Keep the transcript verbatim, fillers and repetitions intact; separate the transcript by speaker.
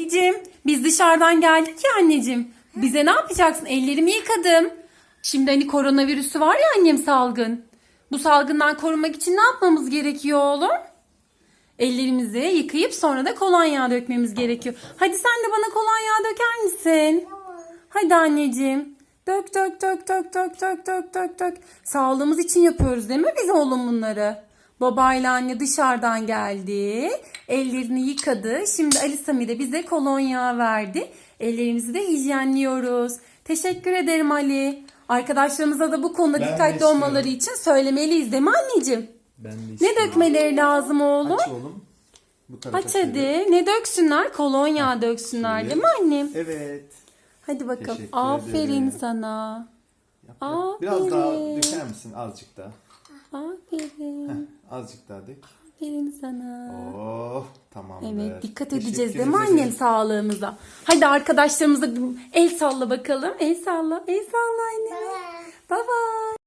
Speaker 1: anneciğim, biz dışarıdan geldik ya anneciğim. Bize ne yapacaksın? Ellerimi yıkadım. Şimdi hani koronavirüsü var ya annem, salgın. Bu salgından korunmak için ne yapmamız gerekiyor oğlum? Ellerimizi yıkayıp sonra da kolonya dökmemiz gerekiyor. Hadi sen de bana kolonya döker misin? Hadi anneciğim. Dök dök dök dök dök dök dök dök dök. Sağlığımız için yapıyoruz değil mi biz oğlum bunları? Babayla anne dışarıdan geldi. Ellerini yıkadı. Şimdi Ali Sami de bize kolonya verdi. Ellerimizi de hijyenliyoruz. Teşekkür ederim Ali. Arkadaşlarımıza da bu konuda
Speaker 2: Ben de
Speaker 1: dikkatli
Speaker 2: istiyorum.
Speaker 1: olmaları için söylemeliyiz değil mi anneciğim?
Speaker 2: Ben de
Speaker 1: Ne
Speaker 2: istiyorum.
Speaker 1: dökmeleri lazım oğlum?
Speaker 2: Aç oğlum. Bu tarafa
Speaker 1: Aç
Speaker 2: çevir.
Speaker 1: hadi. Ne döksünler? Kolonya döksünler değil mi annem?
Speaker 2: Evet.
Speaker 1: Hadi bakalım.
Speaker 2: Teşekkür
Speaker 1: Aferin
Speaker 2: ederim.
Speaker 1: sana.
Speaker 2: Yap, yap. Biraz
Speaker 1: Aferin.
Speaker 2: daha döker misin? Azıcık daha.
Speaker 1: Aferin.
Speaker 2: Azıcık daha dök.
Speaker 1: Aferin sana.
Speaker 2: Oh, tamamdır.
Speaker 1: Evet, dikkat
Speaker 2: Teşekkür
Speaker 1: edeceğiz değil mi
Speaker 2: ederim.
Speaker 1: annem sağlığımıza? Hadi arkadaşlarımıza el salla bakalım. El salla. El salla anne. Bye bye.